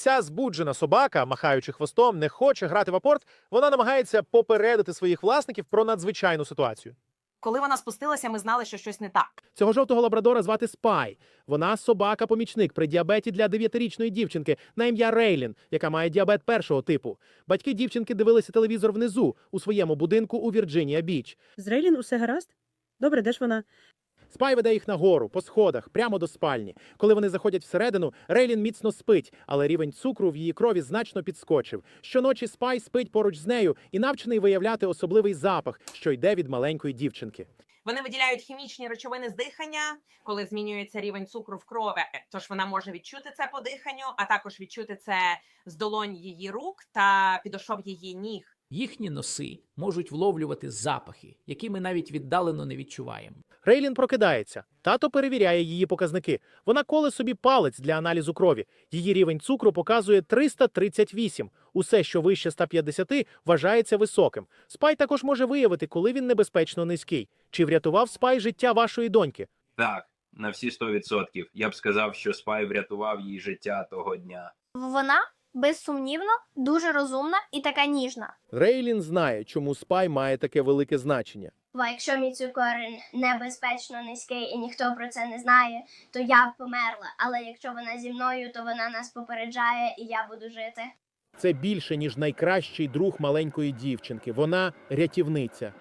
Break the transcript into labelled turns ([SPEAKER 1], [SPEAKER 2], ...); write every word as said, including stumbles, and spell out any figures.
[SPEAKER 1] ця збуджена собака, махаючи хвостом, не хоче грати в апорт, вона намагається попередити своїх власників про надзвичайну ситуацію.
[SPEAKER 2] Коли вона спустилася, ми знали, що щось не так.
[SPEAKER 1] Цього жовтого лабрадора звати Спай. Вона собака-помічник при діабеті для дев'ятирічної дівчинки на ім'я Рейлін, яка має діабет першого типу. Батьки дівчинки дивилися телевізор внизу, у своєму будинку у Вірджинія-Біч.
[SPEAKER 3] З Рейлін усе гаразд? Добре, де ж вона?
[SPEAKER 1] Спай веде їх нагору, по сходах, прямо до спальні. Коли вони заходять всередину, Рейлін міцно спить, але рівень цукру в її крові значно підскочив. Щоночі Спай спить поруч з нею і навчений виявляти особливий запах, що йде від маленької дівчинки.
[SPEAKER 2] Вони виділяють хімічні речовини з дихання, коли змінюється рівень цукру в крові. Тож вона може відчути це по диханню, а також відчути це з долонь її рук та підошов її ніг.
[SPEAKER 4] Їхні носи можуть вловлювати запахи, які ми навіть віддалено не відчуваємо.
[SPEAKER 1] Рейлін прокидається. Тато перевіряє її показники. Вона коле собі палець для аналізу крові. Її рівень цукру показує триста тридцять вісім. Усе, що вище ста п'ятдесят, вважається високим. Спай також може виявити, коли він небезпечно низький. Чи врятував Спай життя вашої доньки?
[SPEAKER 5] Так, на всі сто відсотків. Я б сказав, що Спай врятував їй життя того дня.
[SPEAKER 6] Вона, безсумнівно, дуже розумна і така ніжна.
[SPEAKER 1] Рейлін знає, чому Спай має таке велике значення.
[SPEAKER 6] Бо якщо мій цукор небезпечно низький і ніхто про це не знає, то я б померла. Але якщо вона зі мною, то вона нас попереджає і я буду жити.
[SPEAKER 1] Це більше, ніж найкращий друг маленької дівчинки. Вона рятівниця.